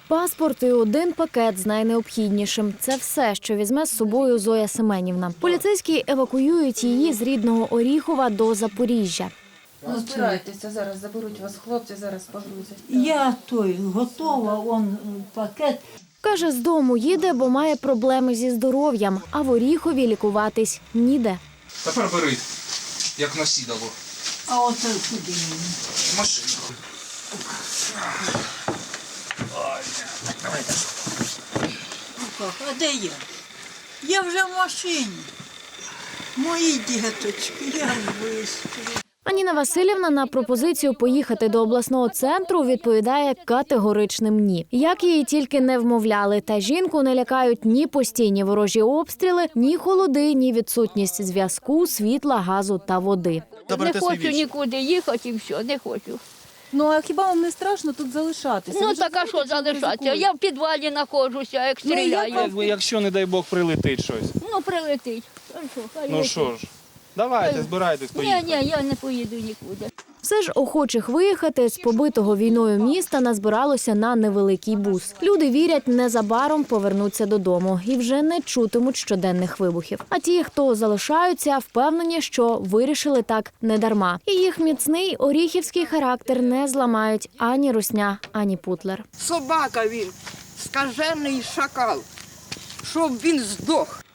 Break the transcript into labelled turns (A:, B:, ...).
A: Паспорт і один пакет з найнеобхіднішим. Це все, що візьме з собою Зоя Семенівна. Поліцейські евакуюють її з рідного Оріхова до Запоріжжя.
B: Збирайтеся, зараз заберуть вас хлопці, зараз погрузять.
C: Я готова, он пакет.
A: Каже, з дому їде, бо має проблеми зі здоров'ям, а в Оріхові лікуватись ніде.
D: Тепер бери, як насідало.
C: А оце куди мені?
D: Машину.
C: А де я? Я вже в машині. Мої діточки, я висплю.
A: Ніна Василівна на пропозицію поїхати до обласного центру відповідає категоричним «ні». Як її тільки не вмовляли, та жінку не лякають ні постійні ворожі обстріли, ні холоди, ні відсутність зв'язку, світла, газу та води.
E: Не хочу нікуди їхати і все, не хочу.
B: Ну а хіба вам не страшно тут залишатися?
E: Ну так а що залишатися? Я в підвалі знаходжуся, як стріляю.
F: Якщо, не дай Бог, прилетить щось.
E: Ну прилетить.
F: Ну що ж, давайте, збирайтесь, поїхали.
E: Ні, я не поїду нікуди.
A: Все ж охочих виїхати з побитого війною міста назбиралося на невеликий бус. Люди вірять, незабаром повернуться додому і вже не чутимуть щоденних вибухів. А ті, хто залишаються, впевнені, що вирішили так недарма. І їх міцний оріхівський характер не зламають ані русня, ані путлер.
G: Собака він, скажений шакал, щоб він здох.